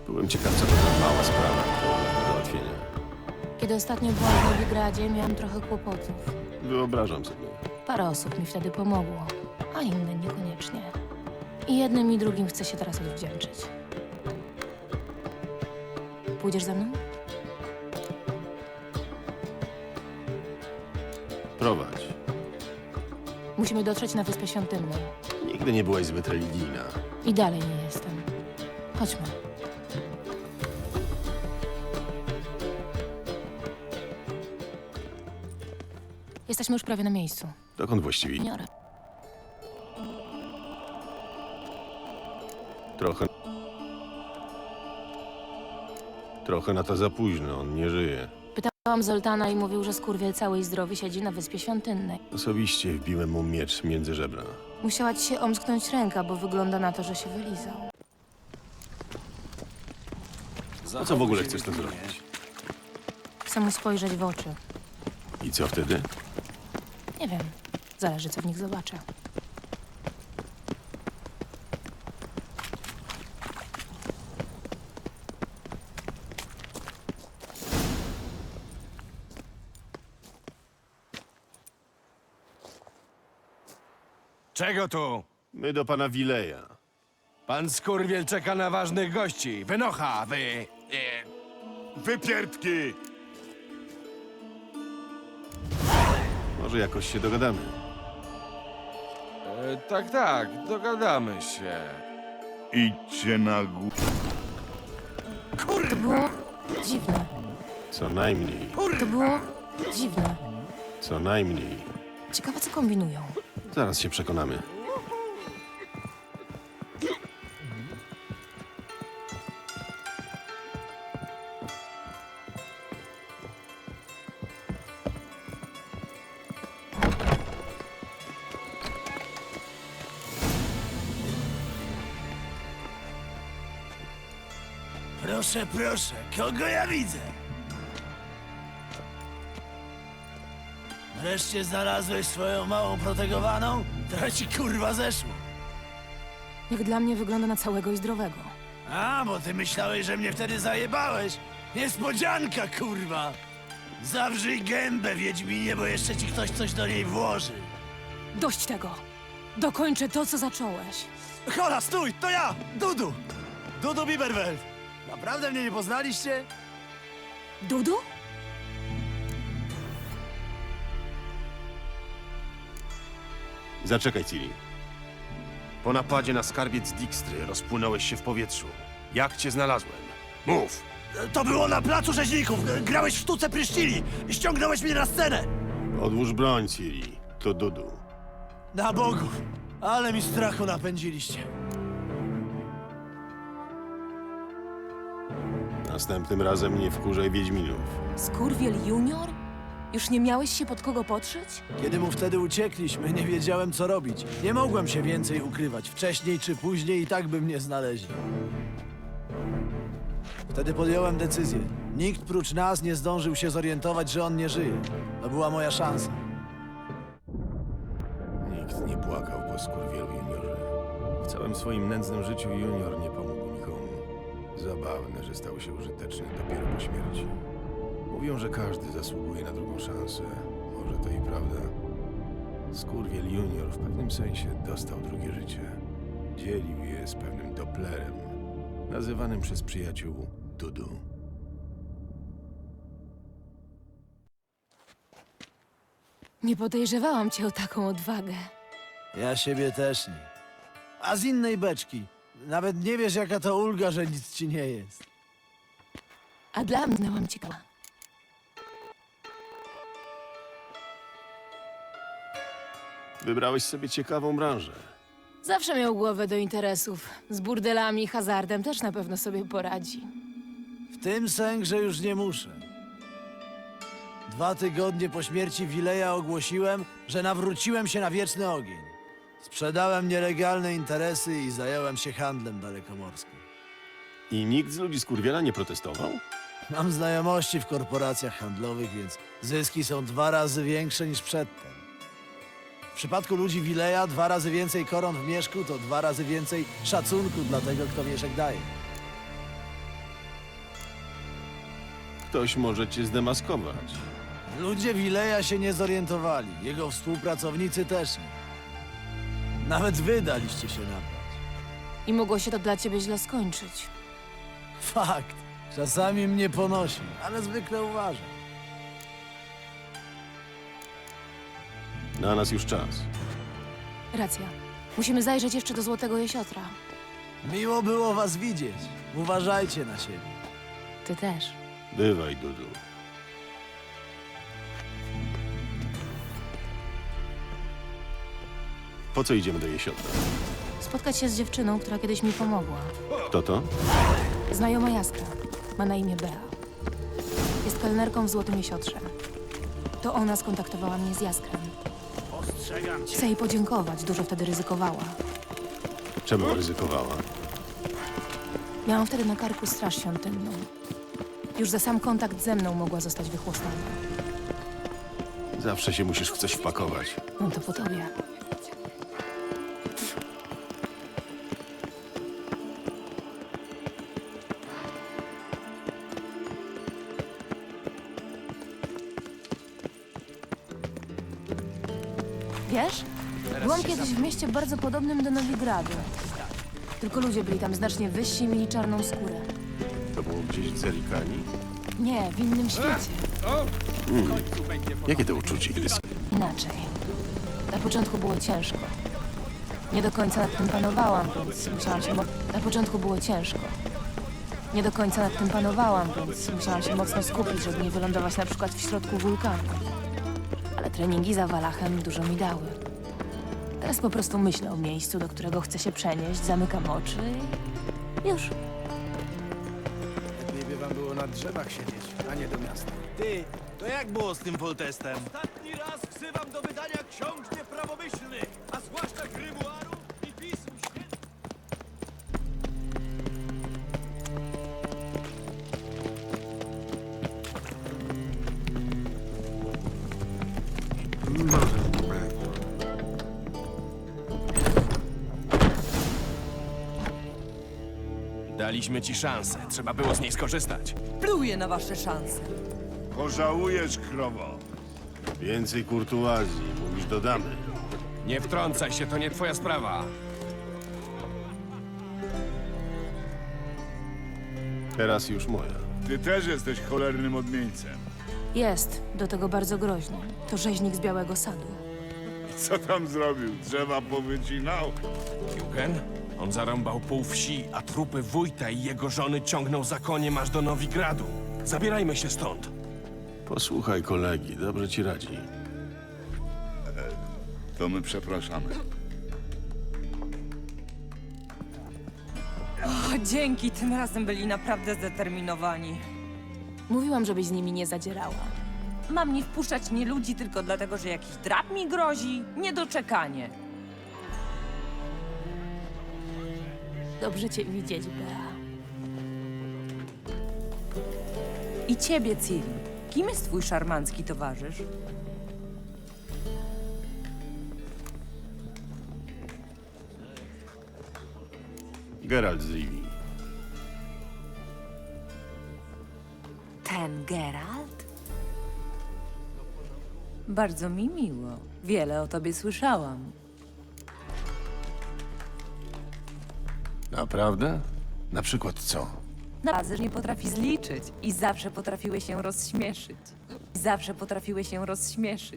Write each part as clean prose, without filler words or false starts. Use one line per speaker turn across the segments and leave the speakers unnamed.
Byłem ciekaw, co to za mała sprawa do załatwienia.
Kiedy ostatnio byłam w Nowigradzie, miałam trochę kłopotów.
Wyobrażam sobie.
Parę osób mi wtedy pomogło, a inne niekoniecznie. I jednym i drugim chcę się teraz odwdzięczyć. Pójdziesz ze mną?
Prowadź.
Musimy dotrzeć na Wyspę Świątynną.
Nigdy nie byłaś zbyt religijna.
I dalej nie jestem. Chodźmy. Jesteśmy już prawie na miejscu.
Dokąd właściwie?
Juniora.
Trochę... Trochę na to za późno, on nie żyje.
Pytałam Zoltana i mówił, że skurwiel cały i zdrowy siedzi na Wyspie Świątynnej.
Osobiście wbiłem mu miecz między żebra.
Musiała ci się omsknąć ręka, bo wygląda na to, że się wylizał.
Po co w ogóle chcesz to zrobić?
Chcę mu spojrzeć w oczy.
I co wtedy?
Nie wiem. Zależy, co w nich zobaczę.
Czego tu?
My do pana Wileja.
Pan skurwiel czeka na ważnych gości. Wynocha, wy...
Wypierdki! Może jakoś się dogadamy.
Tak, dogadamy się.
Idźcie na górę.
To było dziwne.
Co najmniej.
To było dziwne.
Co najmniej.
Ciekawe, co kombinują.
Zaraz się przekonamy.
Proszę, proszę, kogo ja widzę? Wreszcie znalazłeś swoją małą protegowaną? To ci kurwa zeszło.
Jak dla mnie wygląda na całego i zdrowego.
A, bo ty myślałeś, że mnie wtedy zajebałeś. Niespodzianka, kurwa. Zawrzyj gębę, Wiedźminie, bo jeszcze ci ktoś coś do niej włoży.
Dość tego! Dokończę to, co zacząłeś.
Hola, stój, to ja, Dudu! Dudu Biberwelt. Naprawdę mnie nie poznaliście?
Dudu?
Zaczekaj, Ciri. Po napadzie na skarbiec Dijkstry rozpłynąłeś się w powietrzu. Jak cię znalazłem? Mów!
To było na placu rzeźników. Grałeś w sztuce pryszcili i ściągnąłeś mnie na scenę.
Odłóż broń, Ciri. To Dudu.
Na bogów, ale mi strachu napędziliście.
Następnym razem nie wkurzaj Wiedźminów.
Skurwiel Junior? Już nie miałeś się pod kogo podszyć?
Kiedy mu wtedy uciekliśmy, nie wiedziałem, co robić. Nie mogłem się więcej ukrywać. Wcześniej czy później i tak by mnie znaleźli. Wtedy podjąłem decyzję. Nikt prócz nas nie zdążył się zorientować, że on nie żyje. To była moja szansa.
Nikt nie płakał po skurwielu Juniorze. W całym swoim nędznym życiu Junior nie pomógł nikomu. Zabawne, że stał się użyteczny dopiero po śmierci. Mówią, że każdy zasługuje na drugą szansę. Może to i prawda. Skurwiel Junior w pewnym sensie dostał drugie życie. Dzielił je z pewnym Dopplerem, nazywanym przez przyjaciół Dudu.
Nie podejrzewałam cię o taką odwagę.
Ja siebie też nie. A z innej beczki. Nawet nie wiesz, jaka to ulga, że nic ci nie jest.
A dla mnie znałam cię.
Wybrałeś sobie ciekawą branżę.
Zawsze miał głowę do interesów. Z burdelami i hazardem też na pewno sobie poradzi.
W tym sęk, że już nie muszę. 2 tygodnie po śmierci Wileja ogłosiłem, że nawróciłem się na wieczny ogień. Sprzedałem nielegalne interesy i zająłem się handlem dalekomorskim.
I nikt z ludzi skurwiela nie protestował?
Mam znajomości w korporacjach handlowych, więc zyski są 2 razy większe niż przedtem. W przypadku ludzi Wileja 2 razy więcej koron w mieszku to 2 razy więcej szacunku dla tego, kto mieszek daje.
Ktoś może cię zdemaskować.
Ludzie Wileja się nie zorientowali. Jego współpracownicy też nie. Nawet wy daliście się nabrać.
I mogło się to dla ciebie źle skończyć.
Fakt. Czasami mnie ponosi, ale zwykle uważam.
Na nas już czas.
Racja. Musimy zajrzeć jeszcze do Złotego Jesiotra.
Miło było was widzieć. Uważajcie na siebie.
Ty też.
Bywaj, Dudu. Po co idziemy do Jesiotra?
Spotkać się z dziewczyną, która kiedyś mi pomogła.
Kto to?
Znajoma Jaskra. Ma na imię Bea. Jest kelnerką w Złotym Jesiotrze. To ona skontaktowała mnie z Jaskrem.
Ostrzegam cię.
Chcę jej podziękować, dużo wtedy ryzykowała.
Czemu ryzykowała?
Miałam wtedy na karku straż świątynną. Już za sam kontakt ze mną mogła zostać wychłostana.
Zawsze się musisz w coś wpakować.
Mam to po tobie. Wiesz? Byłam kiedyś w mieście bardzo podobnym do Nowigradu. Tylko ludzie byli tam znacznie wyżsi i mieli czarną skórę.
To było gdzieś w Zerikani?
Nie, w innym świecie.
Jakie to uczucie, kiedy...
Inaczej. Na początku było ciężko. Nie do końca nad tym panowałam, więc musiałam się... Na początku było ciężko. Nie do końca nad tym panowałam, więc musiałam się mocno skupić, żeby nie wylądować na przykład w środku wulkanu. Ale treningi za Walachem dużo mi dały. Teraz po prostu myślę o miejscu, do którego chcę się przenieść, zamykam oczy i... już.
Lepiej by wam było na drzewach siedzieć, a nie do miasta.
Ty, to jak było z tym Foltestem?
Ostatni raz wzywam do wydania ksiąg nieprawomyślnych, a zwłaszcza grymuarów i pism świętych.
Daliśmy ci szansę, trzeba było z niej skorzystać.
Pluję na wasze szanse.
Pożałujesz, krowo.
Więcej kurtuazji, mówisz, dodamy.
Nie wtrącaj się, to nie twoja sprawa.
Teraz już moja.
Ty też jesteś cholernym odmieńcem.
Jest, do tego bardzo groźny. To rzeźnik z Białego Sadu.
Co tam zrobił? Drzewa powycinał?
Jugen? On zarąbał pół wsi, a trupy wójta i jego żony ciągnął za koniem aż do Nowigradu. Zabierajmy się stąd.
Posłuchaj kolegi, dobrze ci radzi.
To my przepraszamy.
O, dzięki, tym razem byli naprawdę zdeterminowani.
Mówiłam, żebyś z nimi nie zadzierała.
Mam nie wpuszczać nie ludzi tylko dlatego, że jakiś drab mi grozi? Niedoczekanie.
Dobrze cię widzieć, Bea.
I ciebie, Ciri. Kim jest twój szarmancki towarzysz?
Geralt z Rivii.
Ten Geralt? Bardzo mi miło. Wiele o tobie słyszałam.
Naprawdę? Na przykład co?
Naprawdę, że nie potrafi zliczyć i zawsze potrafiły się rozśmieszyć. Zawsze potrafiły się rozśmieszyć.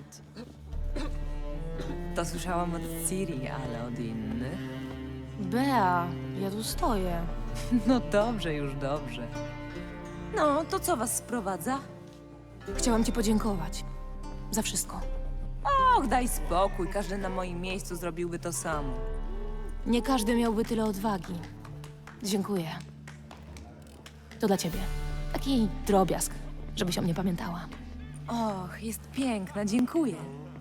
To słyszałam od Ciri, ale od innych.
Bea, ja tu stoję.
No dobrze, już dobrze. No, to co was sprowadza?
Chciałam ci podziękować. Za wszystko.
Och, daj spokój, każdy na moim miejscu zrobiłby to samo.
Nie każdy miałby tyle odwagi. Dziękuję. To dla ciebie. Taki drobiazg, żebyś o mnie pamiętała.
Och, jest piękna, dziękuję.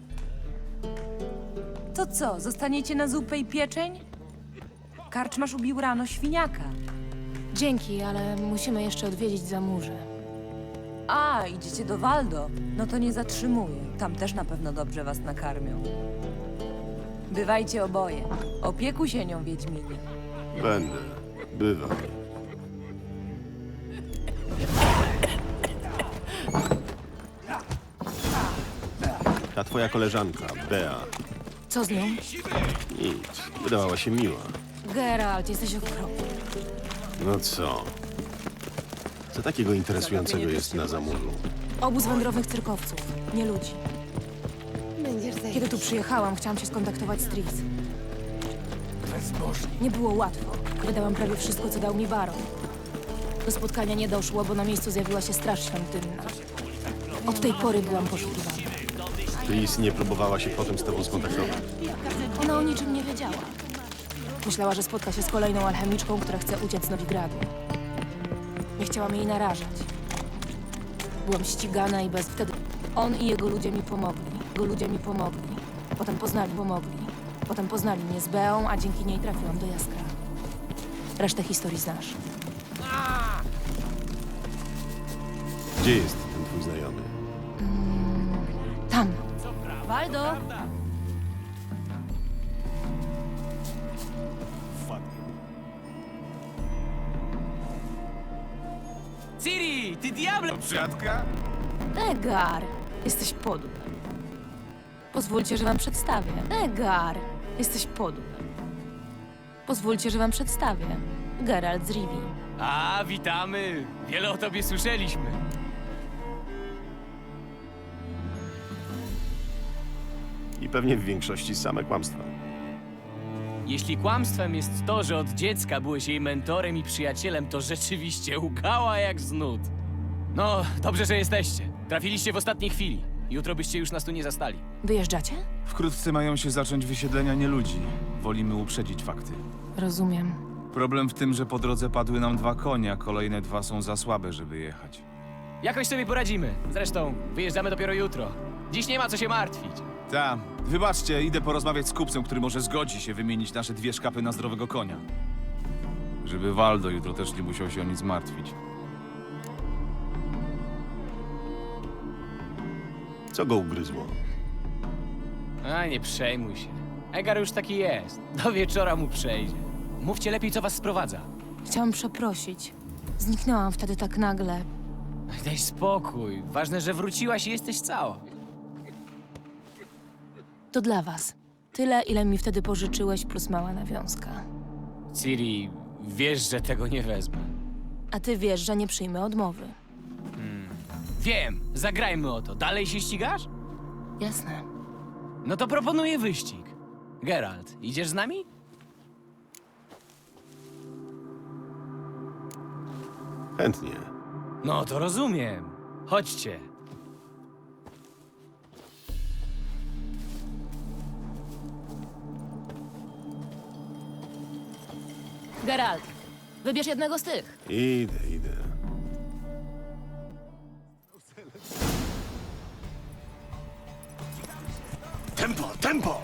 To co, zostaniecie na zupę i pieczeń? Karczmasz ubił rano świniaka.
Dzięki, ale musimy jeszcze odwiedzić Zamurze.
A, idziecie do Waldo? No to nie zatrzymuję. Tam też na pewno dobrze was nakarmią. Bywajcie oboje. Opiekuj się nią, Wiedźminie.
Będę. Bywaj. Ta twoja koleżanka, Bea,
Co z nią?
nic. Wydawała się miła.
Geralt, jesteś okropny.
No co? Co takiego interesującego jest na zamurzu?
Obóz wędrownych cyrkowców, nie ludzi. Kiedy tu przyjechałam, chciałam się skontaktować z Tris. Nie było łatwo. Wydałam prawie wszystko, co dał mi baron. Do spotkania nie doszło, bo na miejscu zjawiła się straż świątynna. Od tej pory byłam poszukiwana.
Tris nie próbowała się potem z tobą skontaktować.
Ona o niczym nie wiedziała. Myślała, że spotka się z kolejną alchemiczką, która chce uciec z Nowigradu. Nie chciałam jej narażać. Byłam ścigana i bez wtedy... On i jego ludzie mi pomogli. Potem poznali mnie z Beą, a dzięki niej trafiłam do Jaskra. Resztę historii znasz.
Gdzie jest ten twój znajomy?
Tam. Waldo!
Ciri, ty diable!
Przyjatka?
Egar! Jesteś podły. Pozwólcie, że wam przedstawię. Egar! Jesteś podły. Pozwólcie, że wam przedstawię. Geralt z Rivii.
A, witamy! Wiele o tobie słyszeliśmy.
I pewnie w większości same kłamstwa.
Jeśli kłamstwem jest to, że od dziecka byłeś jej mentorem i przyjacielem, to rzeczywiście łkała jak z nut. No, dobrze, że jesteście. Trafiliście w ostatniej chwili. Jutro byście już nas tu nie zastali.
Wyjeżdżacie?
Wkrótce mają się zacząć wysiedlenia nieludzi. Wolimy uprzedzić fakty.
Rozumiem.
Problem w tym, że po drodze padły nam 2 konie, a kolejne 2 są za słabe, żeby jechać.
Jakoś sobie poradzimy. Zresztą, wyjeżdżamy dopiero jutro. Dziś nie ma co się martwić.
Ta, wybaczcie, idę porozmawiać z kupcem, który może zgodzi się wymienić nasze 2 szkapy na zdrowego konia. Żeby Waldo jutro też nie musiał się o nic martwić.
Co go ugryzło?
A, nie przejmuj się. Egar już taki jest. Do wieczora mu przejdzie. Mówcie lepiej, co was sprowadza.
Chciałam przeprosić. Zniknęłam wtedy tak nagle.
Daj spokój. Ważne, że wróciłaś i jesteś cała.
To dla was. Tyle, ile mi wtedy pożyczyłeś, plus mała nawiązka.
Ciri, wiesz, że tego nie wezmę.
A ty wiesz, że nie przyjmę odmowy.
Wiem, zagrajmy o to. Dalej się ścigasz?
Jasne.
No to proponuję wyścig. Geralt, idziesz z nami?
Chętnie.
No to rozumiem. Chodźcie.
Geralt, wybierz jednego z tych.
Idę.
Tempo, tempo!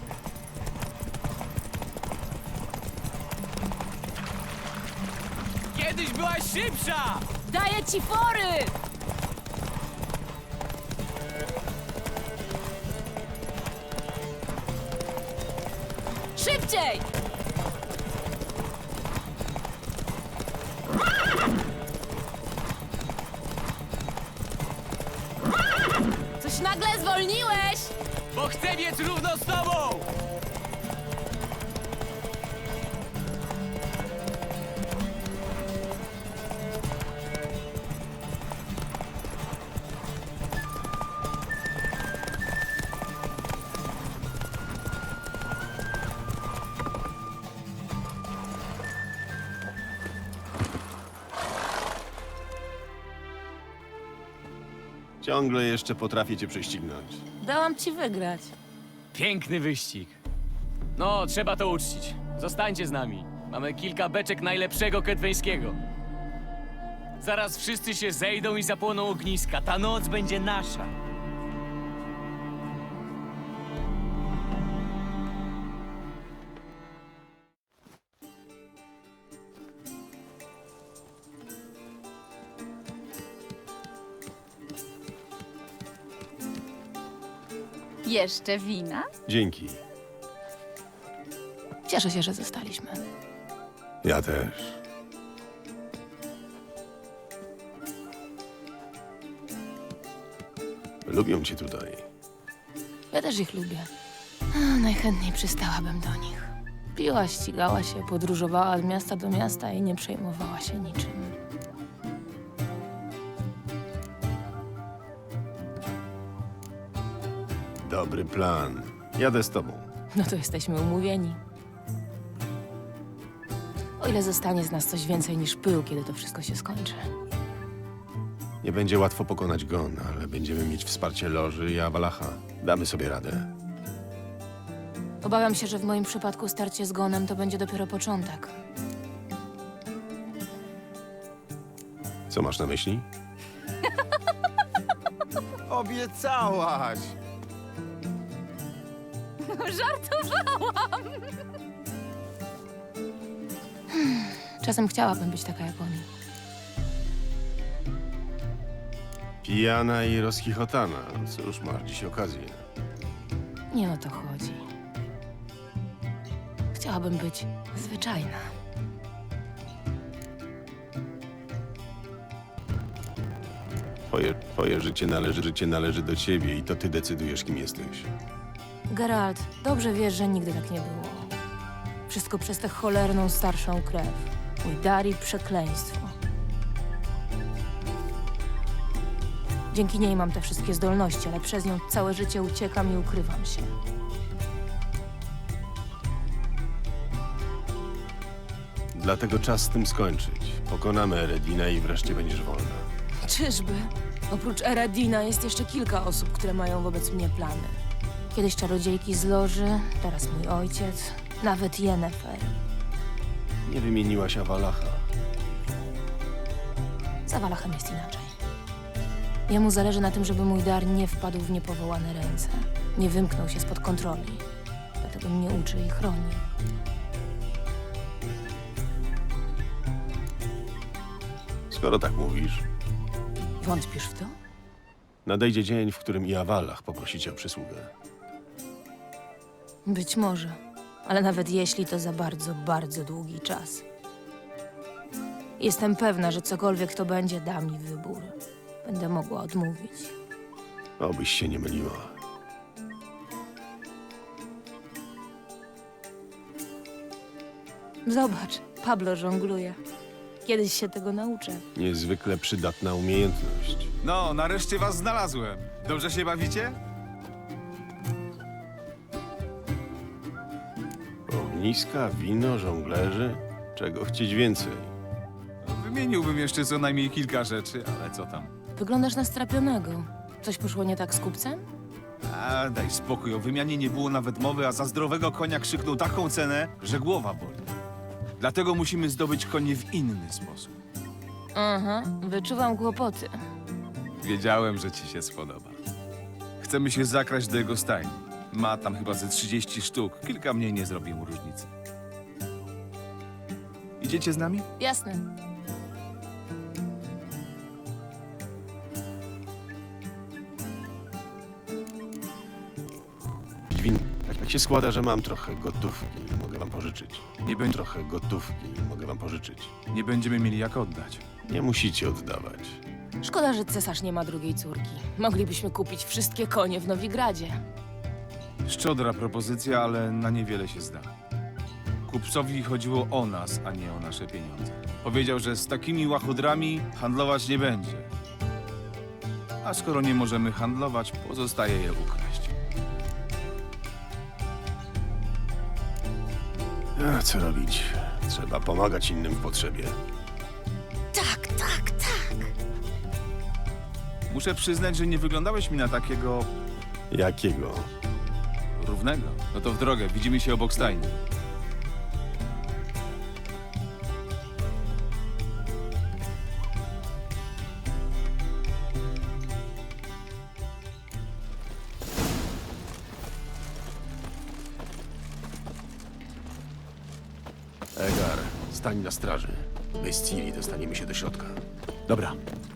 Kiedyś byłaś szybsza!
Daję ci fory! Szybciej! Coś nagle zwolniłeś!
Bo chcę biec równo z tobą!
Ciągle jeszcze potrafię cię prześcignąć.
Dałam ci wygrać.
Piękny wyścig. No, trzeba to uczcić. Zostańcie z nami. Mamy kilka beczek najlepszego ketweńskiego. Zaraz wszyscy się zejdą i zapłoną ogniska. Ta noc będzie nasza.
Jeszcze wina?
Dzięki.
Cieszę się, że zostaliśmy.
Ja też. Lubią cię tutaj.
Ja też ich lubię. Najchętniej przystałabym do nich. Piła, ścigała się, podróżowała od miasta do miasta i nie przejmowała się niczym.
Dobry plan. Jadę z tobą.
No to jesteśmy umówieni. O ile zostanie z nas coś więcej niż pył, kiedy to wszystko się skończy.
Nie będzie łatwo pokonać Gon, ale będziemy mieć wsparcie Loży i Awalacha. Damy sobie radę.
Obawiam się, że w moim przypadku starcie z Gonem to będzie dopiero początek.
Co masz na myśli?
Obiecałaś!
Żartowałam!
Czasem chciałabym być taka jak oni.
Pijana i rozchichotana. Cóż, masz dziś okazję.
Nie o to chodzi. Chciałabym być zwyczajna.
Twoje życie należy do ciebie i to ty decydujesz, kim jesteś.
Geralt, dobrze wiesz, że nigdy tak nie było. Wszystko przez tę cholerną starszą krew. Mój dar i przekleństwo. Dzięki niej mam te wszystkie zdolności, ale przez nią całe życie uciekam i ukrywam się.
Dlatego czas z tym skończyć. Pokonamy Eredina i wreszcie będziesz wolna.
Czyżby? Oprócz Eredina jest jeszcze kilka osób, które mają wobec mnie plany. Kiedyś czarodziejki z Loży, teraz mój ojciec, nawet Yennefer.
Nie wymieniłaś Awalacha.
Z Awalachem jest inaczej. Jemu zależy na tym, żeby mój dar nie wpadł w niepowołane ręce. Nie wymknął się spod kontroli. Dlatego mnie uczy i chroni.
Skoro tak mówisz,
Wątpisz w to?
nadejdzie dzień, w którym i Awalach poprosi cię o przysługę.
Być może. Ale nawet jeśli, to za bardzo, bardzo długi czas. Jestem pewna, że cokolwiek to będzie, da mi wybór. Będę mogła odmówić.
Obyś się nie myliła.
Zobacz, Pablo żongluje. Kiedyś się tego nauczę.
Niezwykle przydatna umiejętność.
No, nareszcie was znalazłem. Dobrze się bawicie?
Ogniska, wino, żonglerzy? Czego chcieć więcej?
Wymieniłbym jeszcze co najmniej kilka rzeczy, ale co tam?
Wyglądasz na strapionego. Coś poszło nie tak z kupcem?
A, daj spokój, o wymianie nie było nawet mowy, a za zdrowego konia krzyknął taką cenę, że głowa boli. Dlatego musimy zdobyć konie w inny sposób.
Aha, wyczuwam kłopoty.
Wiedziałem, że ci się spodoba. Chcemy się zakraść do jego stajni. Ma tam chyba ze 30 sztuk. Kilka mniej nie zrobi mu różnicy. Idziecie z nami?
Jasne.
Win, tak się składa, że mam trochę gotówki i mogę wam pożyczyć.
Nie będzie.
Trochę gotówki i mogę wam pożyczyć.
Nie będziemy mieli jak oddać.
Nie musicie oddawać.
Szkoda, że cesarz nie ma drugiej córki. Moglibyśmy kupić wszystkie konie w Nowigradzie.
Szczodra propozycja, ale na niewiele się zda. Kupcowi chodziło o nas, a nie o nasze pieniądze. Powiedział, że z takimi łachudrami handlować nie będzie. A skoro nie możemy handlować, pozostaje je ukraść.
A co robić? Trzeba pomagać innym w potrzebie.
Tak, tak, tak.
Muszę przyznać, że nie wyglądałeś mi na takiego
Jakiego?
równego. No to w drogę, widzimy się obok stajni.
Egar, stań na straży. Bez Ciri dostaniemy się do środka.
Dobra.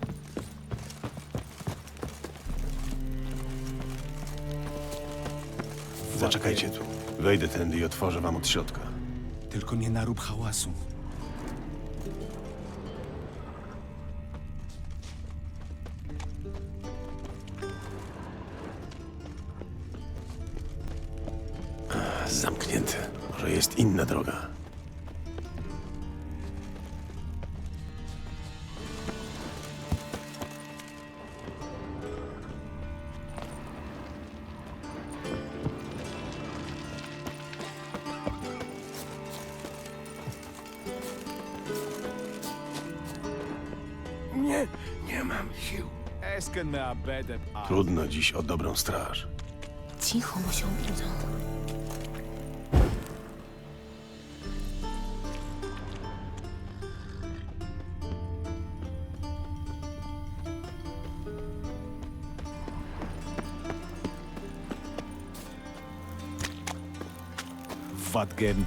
Zaczekajcie tu. Wejdę tędy i otworzę wam od środka.
Tylko nie narób hałasu.
zamknięte. Może jest inna droga. Nie mam sił. Trudno dziś o dobrą straż.
Cicho, bo się obudzą.
Wadgen.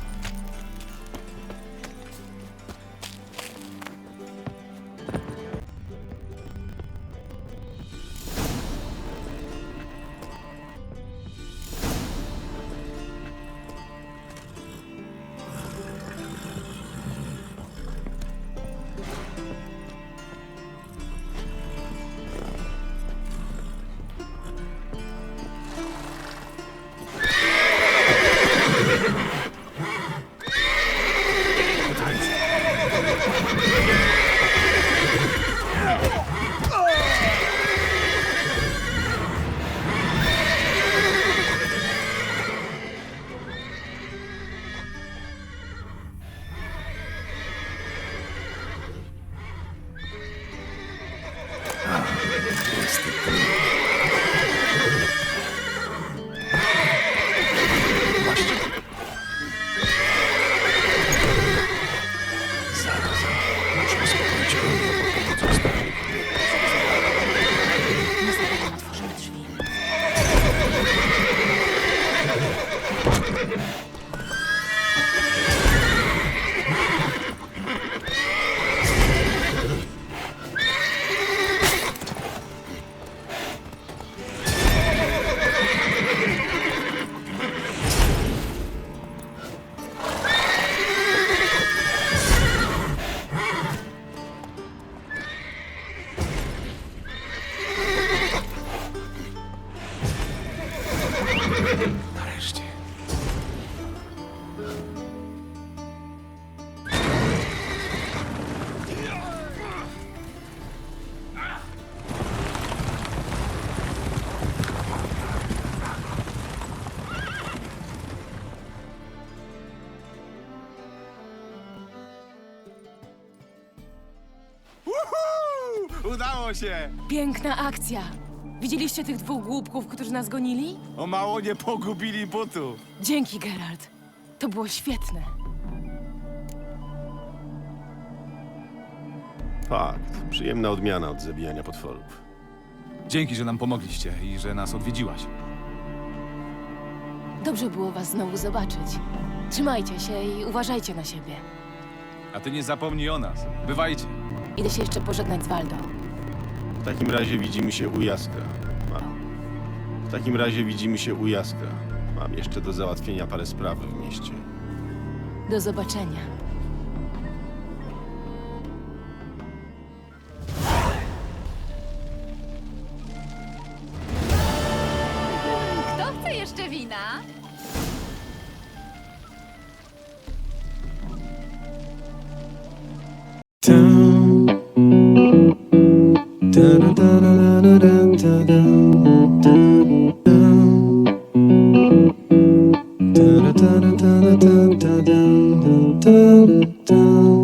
Otworzymy drzwi.
Nareszcie. Udało się!
Piękna akcja. Widzieliście tych dwóch głupków, którzy nas gonili?
O mało nie pogubili butu.
Dzięki, Geralt. To było świetne.
Fakt. Przyjemna odmiana od zabijania potworów.
Dzięki, że nam pomogliście i że nas odwiedziłaś.
Dobrze było was znowu zobaczyć. Trzymajcie się i uważajcie na siebie.
A ty nie zapomnij o nas. Bywajcie.
Idę się jeszcze pożegnać z Waldo.
W takim razie widzimy się u Jaskra. W takim razie widzimy się u Jaskra. Mam jeszcze do załatwienia parę spraw w mieście.
Do zobaczenia.
Kto chce jeszcze wina?
Da da da da da da da da da da.